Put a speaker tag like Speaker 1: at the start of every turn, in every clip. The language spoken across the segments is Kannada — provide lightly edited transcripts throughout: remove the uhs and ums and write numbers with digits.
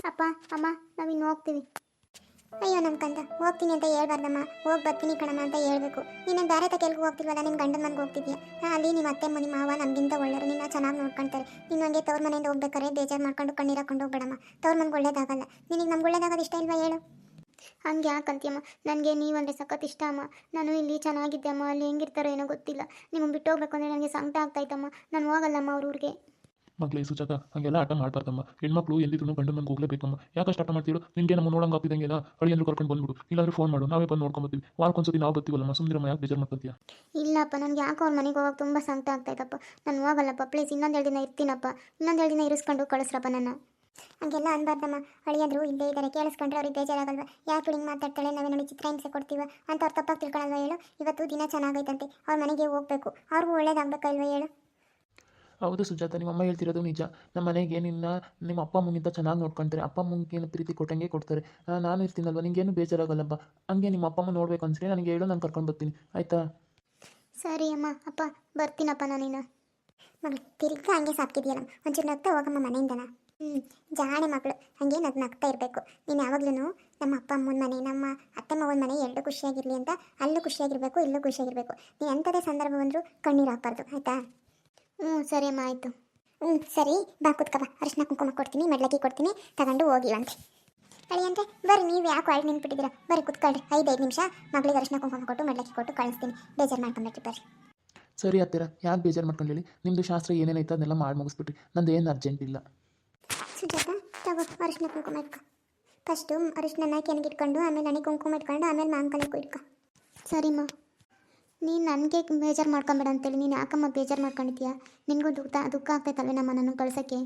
Speaker 1: ಅಪ್ಪ ಅಮ್ಮ ನಾವಿನ್ನು ಹೋಗ್ತೀವಿ. ಅಯ್ಯೋ ನಮ್ಮ ಕಂದ, ಹೋಗ್ತೀನಿ ಅಂತ ಹೇಳ್ಬಾರ್ದಮ್ಮ, ಹೋಗಿ ಬರ್ತೀನಿ ಕಣಮ್ಮ ಅಂತ ಹೇಳ್ಬೇಕು. ನೀನು ಬೇರೆ ತಕೆಲ್ಗೂ ಹೋಗ್ತಿಲ್ವಲ್ಲ, ನಿಮ್ಮ ಗಂಡನ ಮನೆಗೆ ಹೋಗ್ತಿದ್ಯಾ. ಅಲ್ಲಿ ನಿಮ್ಮ ಅತ್ತೆ ನಿಮ್ಮ ಮಾವ ನಮಗಿಂತ ಒಳ್ಳೆಯರು, ನಿನ್ನ ಚೆನ್ನಾಗಿ ನೋಡ್ಕೊಳ್ತಾರೆ. ನೀನು ಹಂಗೆ ತವ್ರ ಮನೆಯಿಂದ ಹೋಗ್ಬೇಕಾರೆ ಬೇಜಾರು ಮಾಡ್ಕೊಂಡು ಕಣ್ಣೀರು ಹಾಕೊಂಡು ಹೋಗ್ಬೇಡಮ್ಮ. ತವ್ರ ಮನೆಗೆ ಒಳ್ಳೇದಾಗಲ್ಲ. ನಿನಗೆ ನಮ್ಗೆ ಒಳ್ಳೇದಾಗೋದು ಇಷ್ಟ ಇಲ್ವಾ ಹೇಳು? ಹಂಗೆ ಯಾಕಂತೀಯಮ್ಮ? ನನಗೆ ನೀವಂದರೆ ಸಖತ್ ಇಷ್ಟ ಅಮ್ಮ. ನಾನು ಇಲ್ಲಿ ಚೆನ್ನಾಗಿದ್ದೆ ಅಮ್ಮ, ಅಲ್ಲಿ ಹೆಂಗಿರ್ತಾರೋ ಏನೋ ಗೊತ್ತಿಲ್ಲ. ನಿಮಗೆ ಬಿಟ್ಟು ಹೋಗ್ಬೇಕು ಅಂದರೆ ನನಗೆ ಸಂಕಟ ಆಗ್ತಾಯಿತ್ತಮ್ಮ. ನಾನು ಹೋಗಲ್ಲಮ್ಮ ಅವ್ರ ಊರಿಗೆ.
Speaker 2: ಮಕ್ಳೇ ಸುಜಾತ, ಹಂಗೆಲ್ಲ ಆಟ ಮಾಡ್ಬಾರ್ದಮ್ಮ. ಹೆಣ್ಮಕ್ಳು ಎಲ್ಲಿದ್ರು ಗಂಡು ಮನೆಗೆ ಹೋಗ್ಲೇಬೇಕಮ್ಮ. ಯಾಕಷ್ಟು ಆಟ ಮಾಡ್ತೀರೋ? ನಿನಗೆ ನಮ್ಮ ನೋಡಂಗೆ ಆಗ್ತಿದ್ದಂಗೆಲ್ಲ ಅಳಿಯಂದ್ರು ಕರ್ಕೊಂಡು ಬಂದ್ಬಿಡು, ಇಲ್ಲಾಂದ್ರೆ ಫೋನ್ ಮಾಡು, ನಾವೇ ಬಂದು ನೋಡ್ಕೊಂಬತ್ತೀವಿ. ವಾರಕ್ಕೊಂದ್ಸತಿ ನಾವು ಬರ್ತೀವಲ್ಲಮ್ಮ, ಸುಮ್ಮನಿರಮ್ಮ, ಯಾಕೆ ಬೇಜಾರು ಮಾಡ್ಕೊತೀಯ?
Speaker 1: ಇಲ್ಲಪ್ಪ, ನನಗೆ ಯಾಕೋ ಅವ್ರ ಮನೆಗೆ ಹೋಗೋಕೆ ತುಂಬ ಸಂಕಟ ಆಗ್ತಾಯಿತ್ತಪ್ಪ. ನಾನು ಹೋಗಲ್ಲಪ್ಪ, ಪ್ಲೀಸ್ ಇನ್ನೊಂದು 2 ದಿನ ಇರ್ತೀನಪ್ಪ. ಇನ್ನೊಂದು 2 ದಿನ ಇರಿಸ್ಕೊಂಡು ಕಳಿಸ್ರಪ್ಪ ನನ್ನ. ಹಂಗೆಲ್ಲ ಅನ್ಬಾರ್ದಮ್ಮ. ಅಳಿಯಂದ್ರು ಇಲ್ಲೇ ಇದ್ದಾರೆ, ಕೇಳಿಸ್ಕೊಂಡ್ರೆ ಅವ್ರಿಗೆ ಬೇಜಾರಾಗಲ್ವ? ಯಾಕೆ ಹಿಂಗೆ ಮಾತಾಡ್ತಾಳೆ, ನಾವೇ ನೋಡಿ ಚಿತ್ರ ಹಿಂಸೆ ಕೊಡ್ತೀವ ಅಂತ ಅವ್ರು ತಪ್ಪಾಗಿ ತಿಳ್ಕೊಳಲ್ವ ಹೇಳು? ಇವತ್ತು ದಿನ ಚೆನ್ನಾಗೈತಂತೆ, ಅವ್ರ ಮನೆಗೆ ಹೋಗ್ಬೇಕು, ಅವ್ರಿಗೂ ಒಳ್ಳೇದಾಗಬೇಕಲ್ವ ಹೇಳು?
Speaker 2: ಹೌದು ಸುಜಾತ, ನಿಮ್ಮ ಅಮ್ಮ ಹೇಳ್ತಿರೋದು ನಿಜ. ನಮ್ಮ ಮನೆಗೆ ನಿಮ್ಮ ಅಪ್ಪ ಅಮ್ಮಗಿಂತ ಚೆನ್ನಾಗಿ ನೋಡ್ಕೊಳ್ತಾರೆ. ಅಪ್ಪ ಅಮ್ಮಂಗೇನು ಪ್ರೀತಿ ಕೊಟ್ಟಂಗೆ ಕೊಡ್ತಾರೆ. ನಾನು ಇರ್ತೀನಲ್ವ, ನಿಂಗೇನು ಬೇಜಾರಾಗಲ್ಲಪ್ಪ. ಹಂಗೆ ನಿಮ್ಮ ಅಪ್ಪ ಅಮ್ಮ ನೋಡ್ಬೇಕು ಅನ್ಸರಿ ನನಗೆ ಹೇಳು, ನಾನು ಕರ್ಕೊಂಡು ಬರ್ತೀನಿ, ಆಯಿತಾ?
Speaker 1: ಸರಿ ಅಮ್ಮ, ಅಪ್ಪ ಬರ್ತೀನಪ್ಪ ನಾನಿನ್ನು. ಮಗಳು ತಿರ್ಗಾ ಹಂಗೆ ಸಾಕ್ತಿದ್ಯಲ್ಲ, ಒಂಚೂರು ನಗ್ತಾ ಹೋಗಮ್ಮ ಮನೆಯಿಂದನ. ಜಾಣೆ ಮಗಳು, ಹಂಗೆ ನಗ್ತಾ ಇರಬೇಕು. ನೀನು ಯಾವಾಗ್ಲೂ ನಮ್ಮ ಅಪ್ಪ ಅಮ್ಮನ ಮನೆ, ನಮ್ಮ ಅತ್ತೆ ಮಾವನ ಮನೆ ಎರಡು ಖುಷಿಯಾಗಿರಲಿ ಅಂತ ಅಲ್ಲೂ ಖುಷಿಯಾಗಿರಬೇಕು, ಇಲ್ಲೂ ಖುಷಿಯಾಗಿರಬೇಕು. ನೀನು ಎಂಥದೇ ಸಂದರ್ಭ ಬಂದರೂ ಕಣ್ಣೀರು ಹಾಕ್ಬಾರ್ದು, ಆಯಿತಾ? ಸರಿ ಅಮ್ಮ, ಆಯಿತು. ಸರಿ, ಬಾ ಕುತ್ಕಬ, ಅರಿಶಿನ ಕುಂಕುಮ ಕೊಡ್ತೀನಿ, ಮೆಡ್ಲಕ್ಕಿ ಕೊಡ್ತೀನಿ, ತಗೊಂಡು ಹೋಗಿವಂತೆ. ಅಳಿಯಂತೆ ಬರ್ರಿ, ನೀವು ಯಾಕೆ ಒಳಗೆ ನಿಂತ್ಬಿಟ್ಟಿದ್ದೀರಾ? ಬರ್ರಿ ಕುತ್ಕೊಳ್ರಿ, 5 ನಿಮಿಷ ಮಗಳಿಗೆ ಅರಿಶಿನ ಕುಂಕುಮ ಕೊಟ್ಟು ಮೆಡ್ಲಕ್ಕಿ ಕೊಟ್ಟು ಕಳಿಸ್ತೀನಿ. ಬೇಜಾರು ಮಾಡ್ಕೊಂಡ್ಬಿಟ್ರಿ ಬರ್ರಿ.
Speaker 2: ಸರಿ ಹತ್ತಿರ, ಯಾಕೆ ಬೇಜಾರು ಮಾಡ್ಕೊಳ್ಳಿ. ನಿಮ್ಮದು ಶಾಸ್ತ್ರ ಏನೇನೈತೆ ಅದನ್ನೆಲ್ಲ ಮಾಡಿ ಮುಗಿಸ್ಬಿಟ್ರಿ, ನಂದು ಏನು ಅರ್ಜೆಂಟ್ ಇಲ್ಲ.
Speaker 1: ಸುಜಾತ, ತಗೋ ಅರಿಶಿನ ಕುಂಕುಮ ಇಟ್ಕೊ. ಫಸ್ಟು ಅರಿಶಿನ ಕೆಣಗಿಟ್ಕೊಂಡು, ಆಮೇಲೆ ನನಗೆ ಕುಂಕುಮ ಇಟ್ಕೊಂಡು, ಆಮೇಲೆ ಮಾಂಕಲಿಗೂ ಇಟ್ಕೊ. ಸರಿಮ್ಮ. ನೀನು ನನಗೆ ಬೇಜಾರು ಮಾಡ್ಕೊಂಬೇಡ ಅಂತೇಳಿ ನೀನು ಯಾಕಮ್ಮ ಬೇಜಾರು ಮಾಡ್ಕೊಂಡಿದ್ಯಾ? ನಿನಗೂ ದುಃಖ ಆಗ್ತೈತಲ್ವೇನಮ್ಮ ನಾನು ಕಳ್ಸೋಕ್ಕೆ?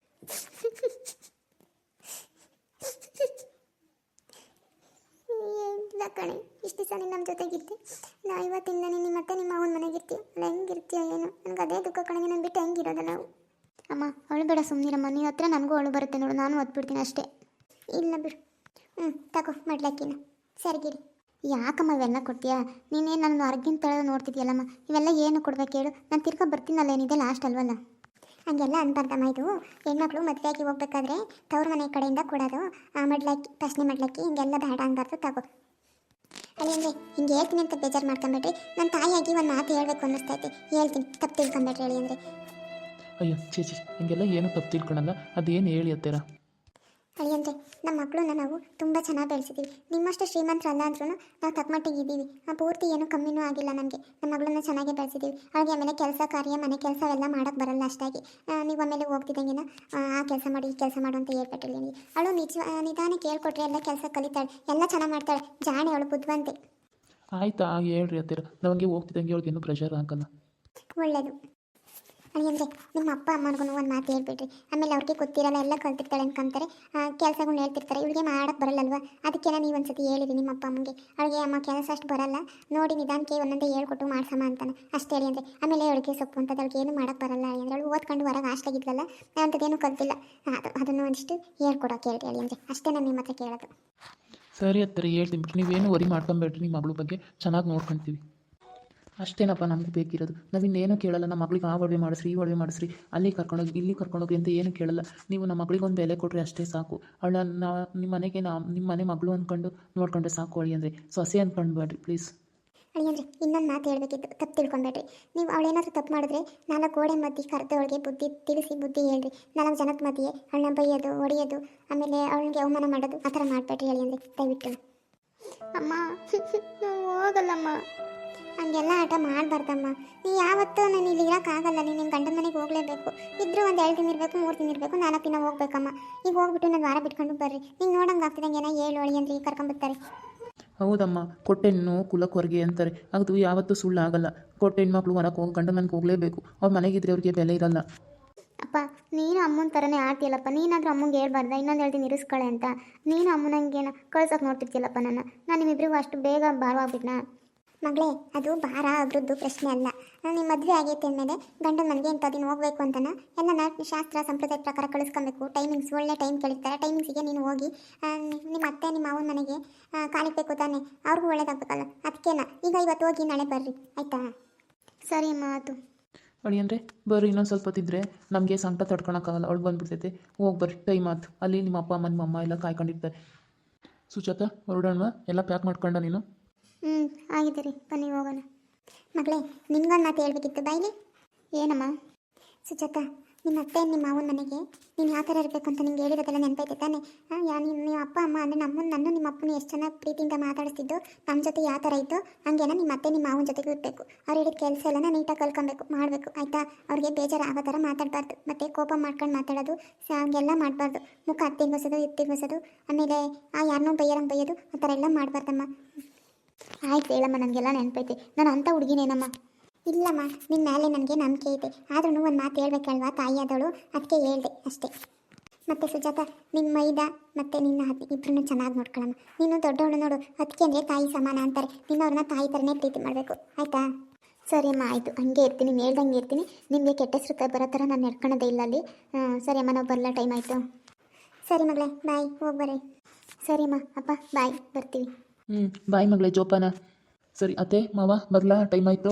Speaker 1: ಇಲ್ಲ ಕಣೆ, ಇಷ್ಟು ದಿವಸ ನೀನು ನಮ್ಮ ಜೊತೆಗಿದ್ದೆ. ನಾವು ಇವತ್ತಿಂದ ನಿಮ್ಮ ಮತ್ತೆ ನಿಮ್ಮ ಅವನ ಮನೆಗಿರ್ತೀವಿ. ಅಲ್ಲ ಹೆಂಗಿರ್ತೀಯ ಏನು? ನನಗೆ ಅದೇ ದುಃಖ ಕಣೆ, ನಾನು ಬಿಟ್ಟು ಹೆಂಗಿರೋದ ನಾವು? ಅಮ್ಮ ಅಳುಬೇಡ, ಸುಮ್ಮನಿರಮ್ಮ. ನೀನು ಹತ್ರ ನನಗೂ ಅಳು ಬರುತ್ತೆ ನೋಡು, ನಾನು ಒದ್ಬಿಡ್ತೀನಿ ಅಷ್ಟೇ. ಇಲ್ಲ ಬಿಡು. ತಗೋ ಮಾಡ್ಲಕ್ಕಿನ ಸರಿಗಿರಿ. ಯಾಕಮ್ಮ ಇವೆಲ್ಲ ಕೊಡ್ತೀಯಾ? ನೀನೇನು ನನ್ನ ಹೊರಗಿನ ತಳ ನೋಡ್ತಿದ್ಯಲ್ಲಮ್ಮ, ಇವೆಲ್ಲ ಏನು ಕೊಡ್ಬೇಕು ಹೇಳು? ನಾನು ತಿರ್ಗಾ ಬರ್ತೀನಲ್ಲ, ಏನಿದೆ ಲಾಸ್ಟ್ ಅಲ್ವಲ್ಲ? ಹಂಗೆಲ್ಲ ಅನ್ಬಾರ್ದಮ್ಮ. ಇದು ಹೆಣ್ಮಕ್ಳು ಮದುವೆಯಾಗಿ ಹೋಗ್ಬೇಕಾದ್ರೆ ತವ್ರ ಮನೆ ಕಡೆಯಿಂದ ಕೊಡೋದು. ಮಡ್ಲಕ್ಕಿ, ಪ್ರಶ್ನೆ ಮಾಡ್ಲಕ್ಕಿ, ಹಿಂಗೆಲ್ಲ ಬೇಡ ಅನ್ಬಾರ್ದು. ತಗೋ ಅಲ್ಲಿಂದ್ರೆ ಹಿಂಗೆ ಹೇಳ್ತೀನಿ ಅಂತ ಬೇಜಾರು ಮಾಡ್ಕೊಂಬೇಡ್ರಿ. ನನ್ನ ತಾಯಿಯಾಗಿ ಒಂದು ಮಾತು ಹೇಳ್ಬೇಕು ಅನ್ನಿಸ್ತೈತಿ, ಹೇಳ್ತೀನಿ, ತಪ್ಪು ತಿಳ್ಕೊಂಬೇಡ್ರಿ ಹೇಳಿ ಅಂದರೆ.
Speaker 2: ಅಯ್ಯೋ ಚೇಚಿ, ಹಂಗೆಲ್ಲ ಏನು ತಪ್ಪು ತಿಳ್ಕೊಳಲ್ಲ, ಅದೇನು ಹೇಳಿ ಹತ್ತಿರ.
Speaker 1: ಅಳಿಯಂದ್ರೆ ನಮ್ಮ ಮಕ್ಕಳನ್ನ ನಾವು ತುಂಬ ಚೆನ್ನಾಗಿ ಬೆಳೆಸಿದ್ದೀವಿ. ನಿಮ್ಮಷ್ಟು ಶ್ರೀಮಂತರಲ್ಲ ಅಂದ್ರೂ ನಾವು ತಕ್ಕಮಟ್ಟಿಗೆ ಇದ್ದೀವಿ. ಪೂರ್ತಿ ಏನೂ ಕಮ್ಮಿನೂ ಆಗಿಲ್ಲ ನಮಗೆ. ನಮ್ಮ ಮಗಳನ್ನ ಚೆನ್ನಾಗೇ ಬೆಳೆಸಿದ್ದೀವಿ. ಅವಳಿಗೆ ಆಮೇಲೆ ಕೆಲಸ ಕಾರ್ಯ, ಮನೆ ಕೆಲಸವೆಲ್ಲ ಮಾಡೋಕ್ಕೆ ಬರಲ್ಲ ಅಷ್ಟಾಗಿ. ನೀವು ಆಮೇಲೆ ಹೋಗ್ತಿದ್ದಂಗೆನ ಆ ಕೆಲಸ ಮಾಡಿ, ಈ ಕೆಲಸ ಮಾಡು ಅಂತ ಹೇಳ್ಬಿಟ್ಟಿಲ್ಲ ನಿಮಗೆ. ಅವಳು ನಿಧಾನಕ್ಕೆ ಹೇಳ್ಕೊಟ್ರೆ ಎಲ್ಲ ಕೆಲಸ ಕಲಿತಾಳೆ, ಎಲ್ಲ ಚೆನ್ನಾಗಿ ಮಾಡ್ತಾಳೆ. ಜಾಣೆ ಅವಳು, ಬುದ್ಧಿವಂತೆ.
Speaker 2: ಆಯ್ತಾ ಹೇಳ್ರಿ ಹತ್ತಿರ, ನಮಗೆ ಹೋಗ್ತಿದ್ದಂಗೆ ಅವ್ಳಿಗೇನು ಪ್ರೆಷರ್ ಹಾಕಲ್ಲ.
Speaker 1: ಒಳ್ಳೆಯದು. ಅಳಿಯಂದ್ರೆ ನಿಮ್ಮ ಅಪ್ಪ ಅಮ್ಮನಿಗೂ ಒಂದು ಮಾತು ಹೇಳ್ಬಿಡ್ರಿ. ಆಮೇಲೆ ಅವ್ರಿಗೆ ಗೊತ್ತಿರಲ್ಲ, ಎಲ್ಲ ಕಲ್ತಿರ್ತಾಳೆ ಅನ್ಕೊಂತಾರೆ, ಕೆಲಸಗಳನ್ನ ಹೇಳ್ತಿರ್ತಾರೆ. ಇವಳಿಗೆ ಮಾಡೋಕ್ಕೆ ಬರಲ್ಲಲ್ವ? ಅದಕ್ಕೆಲ್ಲ ನೀವು ಒಂದ್ಸತಿ ಹೇಳಿರಿ ನಿಮ್ಮ ಅಪ್ಪ ಅಮ್ಮಂಗೆ. ಅವಳಿಗೆ ಅಮ್ಮ ಕೆಲಸ ಅಷ್ಟು ಬರಲ್ಲ ನೋಡಿ, ನಿಧಾನಕ್ಕೆ ಒಂದೊಂದೇ ಹೇಳ್ಕೊಟ್ಟು ಮಾಡ್ಸಮ್ಮ ಅಂತಾನೆ ಅಷ್ಟೇ ಹೇಳಿ ಅಂದರೆ. ಆಮೇಲೆ ಅವಳಿಗೆ ಸೊಪ್ಪು ಅಂತದ್ದು ಅವಳಿಗೆ ಏನು ಮಾಡೋಕ್ಕೆ ಬರಲ್ಲ ಅಂದರೆ, ಅವಳು ಓದ್ಕೊಂಡು ಹೊರಗೆ ಹಾಸ್ಟಾಗಿದ್ಲಲ್ಲ, ಅಂಥದ್ದೇನು ಕಲ್ತಿಲ್ಲ. ಅದನ್ನು ಒಂದಿಷ್ಟು ಹೇಳ್ಕೊಡೋಕೆ ಹೇಳ್ರಿ ಹೇಳಿ ಅಂದರೆ, ಅಷ್ಟೇ ನಾನು ನಿಮ್ಮ ಹತ್ರ ಕೇಳೋದು.
Speaker 2: ಸರಿ ಹತ್ತಿರ ಹೇಳ್ತೀನಿ ಬಿಟ್ಟು, ನೀವೇನು ವರಿ ಮಾಡ್ಕೊಂಬೇಡ್ರಿ. ನಿಮ್ಮ ಮಗಳ ಬಗ್ಗೆ ಚೆನ್ನಾಗಿ ನೋಡ್ಕೊಳ್ತೀವಿ ಅಷ್ಟೇನಪ್ಪ ನಮ್ಗೆ ಬೇಕಿರೋದು. ನಾವಿನ್ನೇನು ಕೇಳಲ್ಲ. ನಮ್ಮ ಮಗಳಿಗೆ ಆ ಒಡವೆ ಮಾಡಿಸ್ರಿ, ಈ ಒಡವೆ ಮಾಡಿಸ್ರಿ, ಅಲ್ಲಿ ಕರ್ಕೊಂಡೋಗಿ, ಇಲ್ಲಿ ಕರ್ಕೊಂಡೋಗಿ ಅಂತ ಏನು ಕೇಳಲ್ಲ. ನೀವು ನಮ್ಮ ಮಗಳಿಗೆ ಒಂದು ಬೆಲೆ ಕೊಟ್ಟರೆ ಅಷ್ಟೇ ಸಾಕು. ಅವಳನ್ನ ನಿಮ್ಮ ಮನೆಗೆ ನಿಮ್ಮ ಮನೆ ಮಗಳು ಅಂದ್ಕೊಂಡು ನೋಡ್ಕೊಂಡ್ರೆ ಸಾಕು. ಅಳಿ ಅಂದರೆ ಸೊಸೆ ಅಂದ್ಕೊಂಡ್ಬೇಡ್ರಿ ಪ್ಲೀಸ್.
Speaker 1: ಅಳಿಯಂದ್ರೆ ಇನ್ನೊಂದು ಮಾತು ಹೇಳಬೇಕಿತ್ತು, ತಪ್ಪು ತಿಳ್ಕೊಬೇಡ್ರಿ. ನೀವು ಅವಳೇನಾದರೂ ತಪ್ಪು ಮಾಡಿದ್ರೆ 4 ಗೋಡೆ ಮಧ್ಯೆ ಕರೆದವಳಿಗೆ ಬುದ್ಧಿ ತಿಳಿಸಿ ಬುದ್ಧಿ ಹೇಳ್ರಿ. 4 ಜನದ ಮಧ್ಯೆ ಅವಳನ್ನ ಬೈಯೋದು, ಹೊಡೆಯೋದು, ಆಮೇಲೆ ಅವಳಿಗೆ ಅವಮಾನ ಮಾಡೋದು ಆ ಥರ ಮಾಡಬೇಡ್ರಿ ಅಳಿಯಂದ್ರೆ, ದಯವಿಟ್ಟು. ಅಮ್ಮ ಹೋಗಲ್ಲಮ್ಮ, ಹಂಗೆಲ್ಲ ಆಟ ಮಾಡಬಾರ್ದಮ್ಮ. ನೀ ಯಾವತ್ತೂ ನಾನು ಇಲ್ಲಿ ಇರೋಕ್ಕಾಗಲ್ಲ. ನೀನು ನಿಮ್ಮ ಗಂಡನ ಮನೆಗೆ ಹೋಗಲೇಬೇಕು. ಇದ್ರೂ ಒಂದು 2 ದಿನ ಇರಬೇಕು, 3 ದಿನ ಇರಬೇಕು, 4 ದಿನ ಹೋಗ್ಬೇಕಮ್ಮ. ಈಗ ಹೋಗ್ಬಿಟ್ಟು ನಾನು ವಾರ ಬಿಟ್ಕೊಂಡು ಬರ್ರಿ. ನಿಂಗೆ ನೋಡಂಗೆ ಆಗ್ತಿದಂಗೆ ಏನೋ ಹೇಳು ಅಳಿಯಂದ್ರೆ, ಈಗ ಕರ್ಕೊಂಬರ್ತಾರೆ.
Speaker 2: ಹೌದಮ್ಮ, ಕೊಟ್ಟೆಣ್ಣು ಕುಲಕ್ಕೆ ಹೊರಗೆ ಅಂತಾರೆ, ಅದು ಯಾವತ್ತೂ ಸುಳ್ಳಾಗಲ್ಲ. ಕೊಟ್ಟ ಹೆಣ್ಮಕ್ಳು ಹೊರಗೆ ಹೋಗಿ ಗಂಡ ಮನೆಗೆ ಹೋಗಲೇಬೇಕು. ಅವ್ರ ಮನೆಗಿದ್ರೆ ಅವ್ರಿಗೆ ಬೆಲೆ ಇರಲ್ಲ.
Speaker 1: ಅಪ್ಪ ನೀನು ಅಮ್ಮನ ಥರನೇ ಆಡ್ತೀಯಲ್ಲಪ್ಪ. ನೀನಾದರೂ ಅಮ್ಮಂಗೆ ಹೇಳ್ಬಾರ್ದ ಇನ್ನೊಂದು 2 ದಿನ ಇರಿಸ್ಕೊಳ್ಳೆ ಅಂತ? ನೀನು ಅಮ್ಮನಂಗೇನ ಕಳ್ಸೋಕೆ ನೋಡ್ತಿರ್ತೀಯಲ್ಲಪ್ಪ ನಾನು ನಿಮ್ಮಿಬ್ಬರಿಗೂ ಅಷ್ಟು ಬೇಗ ಭಾರವಾಗ್ಬಿಟ್ನಾ? ಮಗಳೇ, ಅದು ಭಾರ ಅಭಿವೃದ್ಧಿ ಪ್ರಶ್ನೆ ಅಲ್ಲ. ನಿಮ್ಮ ಮದುವೆ ಆಗೈತೆ ಅಂದಮೇಲೆ ಗಂಡನ ಮನೆಗೆ ಇಂಥ ದಿನ ಹೋಗ್ಬೇಕು ಅಂತನ ಎಲ್ಲ ಶಾಸ್ತ್ರ ಸಂಪ್ರದಾಯ ಪ್ರಕಾರ ಕಳಿಸ್ಕೊಬೇಕು. ಟೈಮಿಂಗ್ಸ್ ಒಳ್ಳೆ ಟೈಮ್ ಕೇಳಿರ್ತಾರೆ, ಟೈಮಿಂಗ್ಸಿಗೆ ನೀನು ಹೋಗಿ ನಿಮ್ಮ ಅತ್ತೆ ನಿಮ್ಮ ಅವನ ಮನೆಗೆ ಕಾಲಿಕ್ಬೇಕು ತಾನೆ, ಅವ್ರಿಗೂ ಒಳ್ಳೇದಾಗಬೇಕಲ್ಲ. ಅದಕ್ಕೇನ ಈಗ ಇವತ್ತು ಹೋಗಿ ನಾಳೆ ಬರ್ರಿ, ಆಯಿತಾ? ಸರಿ ಅಮ್ಮ, ಆಯಿತು.
Speaker 2: ಅಳಿ ಅಂದರೆ ಬರ್ರಿ ಇನ್ನೊಂದು ಸ್ವಲ್ಪ ಹೊತ್ತಿದ್ರೆ ನಮಗೆ ಸಂಕಟ ತಡ್ಕೊಳಕ್ಕಾಗಲ್ಲ, ಅವಳು ಬಂದುಬಿಡ್ತೈತೆ. ಹೋಗಿ ಬರ್ರಿ, ಟೈಮ್ ಆಯ್ತು. ಅಲ್ಲಿ ನಿಮ್ಮ ಅಪ್ಪ ಅಮ್ಮ ನಿಮ್ಮ ಅಮ್ಮ ಎಲ್ಲ ಕಾಯ್ಕೊಂಡಿರ್ತಾರೆ. ಸುಜಾತ ಹೊರಡೋಣ, ಎಲ್ಲ ಪ್ಯಾಕ್ ಮಾಡ್ಕೊಂಡ ನೀನು?
Speaker 1: ಹ್ಞೂ ಆಗಿದೆ ರೀ, ಬನ್ನಿ ಹೋಗೋಣ. ಮಗಳೇ ನಿನ್ಗೊಂದು ಮಾತು ಹೇಳ್ಬೇಕಿತ್ತು, ಬಾಯ್ಲಿ. ಏನಮ್ಮ? ಸುಜಾತ, ನಿಮ್ಮ ಅತ್ತೆ ನಿಮ್ಮ ಮಾವನ ಮನೆಗೆ ನೀನು ಯಾವ ಥರ ಇರಬೇಕು ಅಂತ ನಿಂಗೆ ಹೇಳಿರೋದೆಲ್ಲ ನೆನಪೈತೆ ತಾನೆ? ನಿಮ್ಮ ಅಪ್ಪ ಅಮ್ಮ ಅಂದರೆ ನನ್ನ ನಿಮ್ಮ ಅಪ್ಪನ ಎಷ್ಟು ಚೆನ್ನಾಗಿ ಪ್ರೀತಿಯಿಂದ ಮಾತಾಡಿಸ್ತಿದ್ದು, ನಮ್ಮ ಜೊತೆ ಯಾವ ಥರ ಇತ್ತು ಹಂಗೇನ ನಿಮ್ಮ ಅತ್ತೆ ನಿಮ್ಮ ಮಾವನ ಜೊತೆಗೂ ಇರಬೇಕು. ಅವ್ರು ಹೇಳಿದ ಕೆಲಸ ಎಲ್ಲ ನೀಟಾಗಿ ಕಲ್ಕೊಬೇಕು, ಮಾಡಬೇಕು, ಆಯಿತಾ? ಅವ್ರಿಗೆ ಬೇಜಾರು ಆಗೋ ಥರ ಮಾತಾಡಬಾರ್ದು, ಮತ್ತು ಕೋಪ ಮಾಡ್ಕೊಂಡು ಮಾತಾಡೋದು ಹಂಗೆಲ್ಲ ಮಾಡಬಾರ್ದು. ಮುಖ ಹತ್ತಿಗೋಸೋದು ಇತ್ತಿಗೋಸೋದು, ಆಮೇಲೆ ಯಾರನ್ನೂ ಬೈಯೋದು ಆ ಥರ ಎಲ್ಲ ಮಾಡಬಾರ್ದಮ್ಮ. ಆಯ್ತು ಹೇಳಮ್ಮ, ನನಗೆಲ್ಲ ನೆನಪೈತೆ. ನಾನು ಅಂಥ ಹುಡುಗಿನೇನಮ್ಮ? ಇಲ್ಲಮ್ಮ, ನಿನ್ನ ಮೇಲೆ ನನಗೆ ನಂಬಿಕೆ ಐತೆ. ಆದ್ರೂ ಒಂದು ಮಾತು ಹೇಳ್ಬೇಕಲ್ವಾ, ತಾಯಿ ಆದವಳು, ಅದಕ್ಕೆ ಹೇಳ್ದೆ ಅಷ್ಟೇ. ಮತ್ತು ಸುಜಾತ, ನಿಮ್ಮ ಮೈದ ಮತ್ತು ನಿನ್ನ ಅತ್ತೆ ಇಬ್ಬರನ್ನು ಚೆನ್ನಾಗಿ ನೋಡ್ಕೊಳ್ಳಮ್ಮ. ನೀನು ದೊಡ್ಡವಳು ನೋಡು, ಅದಕ್ಕೆ ಅಂದರೆ ತಾಯಿ ಸಮಾನ ಅಂತಾರೆ. ನಿನ್ನವ್ರನ್ನ ತಾಯಿ ಥರನೇ ಪ್ರೀತಿ ಮಾಡಬೇಕು, ಆಯಿತಾ? ಸರಿ ಅಮ್ಮ, ಆಯಿತು, ಹಂಗೆ ಇರ್ತೀನಿ, ಹೇಳ್ದಂಗೆ ಇರ್ತೀನಿ. ನಿಮಗೆ ಕೆಟ್ಟ ಹೆಸರು ಬರೋ ಥರ ನಾನು ನಡ್ಕೊಳೋದೇ ಇಲ್ಲ ಅಲ್ಲಿ. ಸರಿ ಅಮ್ಮ, ನಾವು ಬರಲ್ಲ, ಟೈಮ್ ಆಯಿತು. ಸರಿ ಮಗಳೇ, ಬಾಯ್, ಹೋಗಿ ಬರ್ರಿ. ಸರಿ ಅಮ್ಮ, ಅಪ್ಪ ಬಾಯ್, ಬರ್ತೀವಿ.
Speaker 2: ಬಾಯ್ ಮಗಳೇ ಜೋಪಾನ. ಸರಿ ಅತ್ತೆ ಮಾವ ಬರಲಾ, ಟೈಮ್ ಆಯಿತು.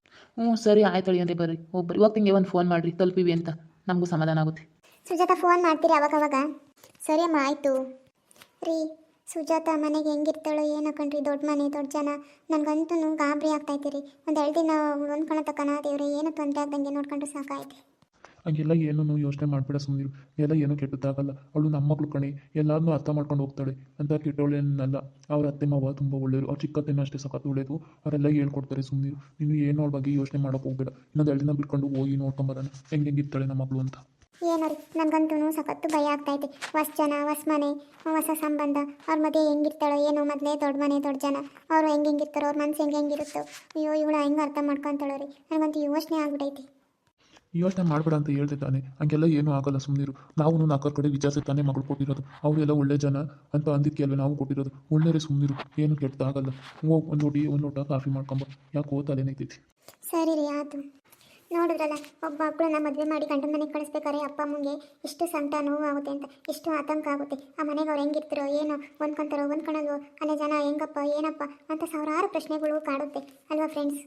Speaker 2: ಸರಿ ಆಯ್ತು ಅಂದರೆ ಬರ್ರಿ, ಹೋಗ್ಬರ್ರಿ. ಹೋಗ್ತಿಂಗೆ ಒಂದು ಫೋನ್ ಮಾಡಿರಿ, ತಲುಪಿವಿ ಅಂತ, ನಮಗೂ ಸಮಾಧಾನ ಆಗುತ್ತೆ.
Speaker 1: ಸುಜಾತ ಫೋನ್ ಮಾಡ್ತೀರಿ ಅವಾಗ? ಸರಿ ಅಮ್ಮ, ಆಯಿತು ರೀ. ಸುಜಾತ ಮನೆಗೆ ಹೆಂಗಿರ್ತಾಳೋ ಏನೋ ಕಣ್ರಿ, ದೊಡ್ಡ ಮನೆ ದೊಡ್ಡ ಜನ. ನನಗಂತೂ ಗಾಬರಿ ಆಗ್ತಾಯಿದ್ದೀರಿ. ಒಂದು 2 ದಿನ ಹೊಂದ್ಕೊಳೋ ತಕ್ಕನ ದೇವ್ರೆ, ಏನೂ ತೊಂದರೆ ಆಗ್ದಂಗೆ ನೋಡ್ಕೊಂಡ್ರೆ ಸಾಕಾಯ್ತು.
Speaker 2: ಹಂಗೆಲ್ಲ ಏನೂ ಯೋಚನೆ ಮಾಡಬೇಡ, ಸುಮ್ಮನಿರು. ಎಲ್ಲ ಏನೂ ಕೆಟ್ಟದ್ದಾಗಲ್ಲ. ಅವಳು ನಮ್ಮ ಮಗಳು ಕಣಿ, ಎಲ್ಲಾರನ್ನೂ ಅರ್ಥ ಮಾಡ್ಕೊಂಡು ಹೋಗ್ತಾಳೆ ಅಂತ ಕೆಟ್ಟವಳೇನಲ್ಲ. ಅವ್ರ ಅತ್ತೆ ಮಾವ ತುಂಬ ಒಳ್ಳೆಯರು, ಅವ್ರ ಚಿಕ್ಕತ್ತೆನೂ ಅಷ್ಟೇ ಸಖತ್ತು ಒಳ್ಳೆಯದು. ಅವರೆಲ್ಲ ಹೇಳ್ಕೊಡ್ತಾರೆ, ಸುಮ್ಮನಿರು. ನೀನು ಏನೋ ಅವ್ರ ಬಗ್ಗೆ ಯೋಚನೆ ಮಾಡೋಕೆ ಹೋಗ್ಬೇಡ. ಇನ್ನೊಂದು 2 ದಿನ ಬಿಟ್ಕೊಂಡು ಹೋಗಿ ನೋಡ್ಕೊಂಬರೋಣ ಹೆಂಗಿರ್ತಾಳೆ ನಮ್ಮ ಮಗಳು ಅಂತ.
Speaker 1: ಏನೋ ರೀ, ನನಗಂತೂ ಸಖತ್ತು ಭಯ ಆಗ್ತೈತೆ. ಹೊಸ ಜನ, ಹೊಸ ಮನೆ, ಹೊಸ ಸಂಬಂಧ, ಅವ್ರ ಮಧ್ಯೆ ಹೆಂಗಿರ್ತಾಳೋ ಏನೋ. ಮೊದಲೇ ದೊಡ್ಡ ಮನೆ ದೊಡ್ಡ ಜನ, ಅವರು ಹೆಂಗಿರ್ತಾರೋ, ಅವ್ರ ಮನಸ್ಸು ಹೆಂಗಿರುತ್ತೋ. ಅಯ್ಯೋ ಇವಳು ಹೆಂಗೆ ಅರ್ಥ ಮಾಡ್ಕೊತಾಳೋ ರೀ, ನನಗಂತೂ ಯೋಚನೆ ಆಗ್ಬಿಟ್ಟೈತಿ.
Speaker 2: ಯೋಚನೆ ಮಾಡಬೇಡ ಅಂತ ಹೇಳ್ದೆ ತಾನೆ, ಹಂಗೆಲ್ಲ ಏನೂ ಆಗಲ್ಲ, ಸುಮ್ಮನಿರು. ನಾವು 4 ಕಡೆ ವಿಚಾರಿಸಿ ತಾನೇ ಮಗಳು ಕೊಟ್ಟಿರೋದು. ಅವರೆಲ್ಲ ಒಳ್ಳೆ ಜನ ಅಂತ ಅಂದಿದ್ದಕ್ಕೆ ಅಲ್ವೇ ನಾವು ಕೊಟ್ಟಿರೋದು. ಒಳ್ಳೆಯರೇ, ಸುಮ್ಮನಿರು, ಏನು ಕೆಟ್ಟದಾಗಲ್ಲ. ಹೋಗಿ ಒಂದು ಲೋಟ ಕಾಫಿ ಮಾಡ್ಕೊಂಬ, ಯಾಕೆ ತಲೆನೈತೈತಿ.
Speaker 1: ಸರಿ ರೀ, ಆಯಿತು. ನೋಡಿದ್ರಲ್ಲ, ಒಬ್ಬ ಮಕ್ಕಳನ್ನ ಮದುವೆ ಮಾಡಿ ಗಂಡನ ಮನೆಗೆ ಕಳಿಸ್ಬೇಕಾರೆ ಅಪ್ಪ ಅಮ್ಮಂಗೆ ಎಷ್ಟು ಸಂಕಟ ನೋವು ಆಗುತ್ತೆ ಅಂತ, ಎಷ್ಟು ಆತಂಕ ಆಗುತ್ತೆ. ಆ ಮನೆಗೆ ಅವ್ರು ಹೆಂಗಿರ್ತಾರೋ ಏನೋ, ಹೊಂದ್ಕೊಳಲ್ವೋ, ಅಲ್ಲೇ ಜನ ಹೆಂಗಪ್ಪ ಏನಪ್ಪ ಅಂತ ಸಾವಿರಾರು ಪ್ರಶ್ನೆಗಳು ಕಾಡುತ್ತೆ ಅಲ್ವಾ ಫ್ರೆಂಡ್ಸ್.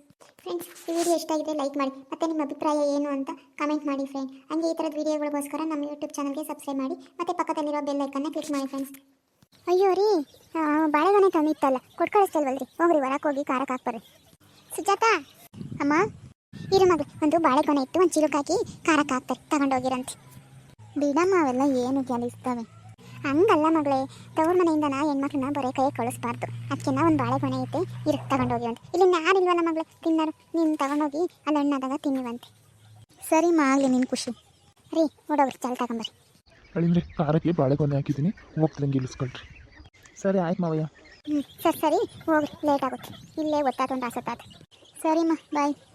Speaker 1: ಈ ವಿಡಿಯೋ ಇಷ್ಟ ಆಗಿದೆ ಲೈಕ್ ಮಾಡಿ, ಮತ್ತು ನಿಮ್ಮ ಅಭಿಪ್ರಾಯ ಏನು ಅಂತ ಕಮೆಂಟ್ ಮಾಡಿ ಫ್ರೆಂಡ್. ಹಂಗೆ ಈ ಥರದ ವಿಡಿಯೋಗಳಿಗೋಸ್ಕರ ನಮ್ಮ ಯೂಟ್ಯೂಬ್ ಚಾನಲ್ಗೆ ಸಬ್ಸ್ಕ್ರೈಬ್ ಮಾಡಿ, ಮತ್ತು ಪಕ್ಕದಲ್ಲಿರೋ ಬೆಲ್ ಐಕನ್ನ ಕ್ಲಿಕ್ ಮಾಡಿ ಫ್ರೆಂಡ್ಸ್. ಅಯ್ಯೋ ರೀ, ಬಾಳೆಗೊನೆ ತಂದಿತ್ತಲ್ಲ, ಕೊಟ್ಟು ಕಳಿಸ್ತಲ್ವಲ್ರಿ, ಹೋಗ್ರಿ ಹೊರಕ್ಕೆ ಹೋಗಿ ಖಾರಕ್ಕೆ ಹಾಕ್ಬರ್ರಿ. ಸುಜಾತ ಅಮ್ಮ, ಇರು ಮಗಳು, ಒಂದು ಬಾಳೆಗೊನೆ ಇತ್ತು, ಒಂದು ಚಿಲುಕ್ ಹಾಕಿ ಖಾರಕ್ಕೆ ಹಾಕ್ತಾರೆ, ತಗೊಂಡೋಗಿರಂತೆ. ಬಿಡಮ್ಮ, ಅವೆಲ್ಲ ಏನು ಕೆಲಸ್ತವೆ. ಹಂಗಲ್ಲ ಮಗಳೇ, ತವ್ರ ಮನೆಯಿಂದ ಹೆಣ್ಮಕ್ಳನ್ನ ಬರೀ ಕೈ ಕಳಿಸ್ಬಾರ್ದು. ಅದಕ್ಕೆ ಒಂದು ಬಾಳೆಗೊನೆ ಐತೆ, ಇರು ತಗೊಂಡೋಗಿವಂತೆ. ಇಲ್ಲಿ ಯಾರಿಲ್ವಲ್ಲ ಮಗಳು ತಿನ್ನರು, ನೀನು ತಗೊಂಡೋಗಿ ಅಲ್ಲಿ ಹಣ್ಣಾದಾಗ ತಿನ್ನಿವಂತೆ. ಸರಿ ಆಗಲಿ, ನಿನ್ನ ಖುಷಿ ರೀ. ನೋಡೋಗ್ರಿ, ಚಲ್ ತಗೊಂಬರ್ರಿ.
Speaker 2: ಅಳಿಂದ್ರೆ ಖಾರಕ್ಕೆ ಬಾಳೆಗೊನೆ ಹಾಕಿದ್ದೀನಿ, ಹೋಗ್ತಂಗೆ ಇಳಿಸ್ಕೊಳ್ರಿ. ಸರಿ ಆಯ್ತು ಮಾವಯ್ಯ.
Speaker 1: ಸರಿ ಹೋಗ್ರಿ, ಲೇಟ್ ಆಗುತ್ತೆ, ಇಲ್ಲೇ ಒತ್ತಾತೊಂದು ಆಸತ್ತಾತ. ಸರಿಮ್ಮ, ಬಾಯ್.